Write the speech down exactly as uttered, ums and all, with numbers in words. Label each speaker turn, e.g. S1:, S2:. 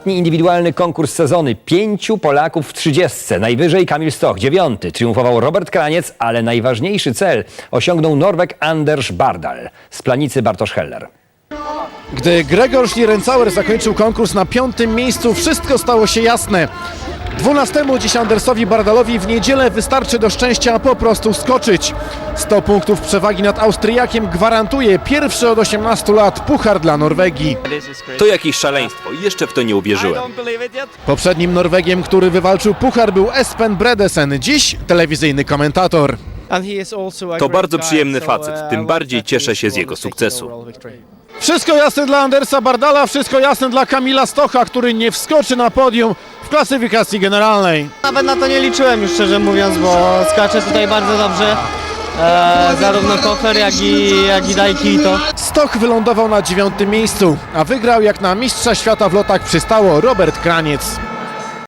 S1: Ostatni indywidualny konkurs sezony. Pięciu Polaków w trzydziestce. Najwyżej Kamil Stoch, dziewiąty. Triumfował Robert Kraniec, ale najważniejszy cel osiągnął Norweg Anders Bardal z Planicy Bartosz Heller.
S2: Gdy Gregor Schlierenzauer zakończył konkurs na piątym miejscu, wszystko stało się jasne. Dwunastemu dziś Andersowi Bardalowi w niedzielę wystarczy do szczęścia po prostu skoczyć. sto punktów przewagi nad Austriakiem gwarantuje pierwszy od osiemnastu lat puchar dla Norwegii.
S3: To jakieś szaleństwo, jeszcze w to nie uwierzyłem.
S2: Poprzednim Norwegiem, który wywalczył puchar, był Espen Bredesen, dziś telewizyjny komentator.
S3: To bardzo przyjemny facet, tym bardziej cieszę się z jego sukcesu.
S2: Wszystko jasne dla Andersa Bardala, wszystko jasne dla Kamila Stocha, który nie wskoczy na podium w klasyfikacji generalnej.
S4: Nawet na to nie liczyłem już, szczerze mówiąc, bo skacze tutaj bardzo dobrze. E, zarówno Kofer, jak i, jak i Daikito.
S2: Stoch wylądował na dziewiątym miejscu, a wygrał jak na mistrza świata w lotach przystało Robert Kraniec.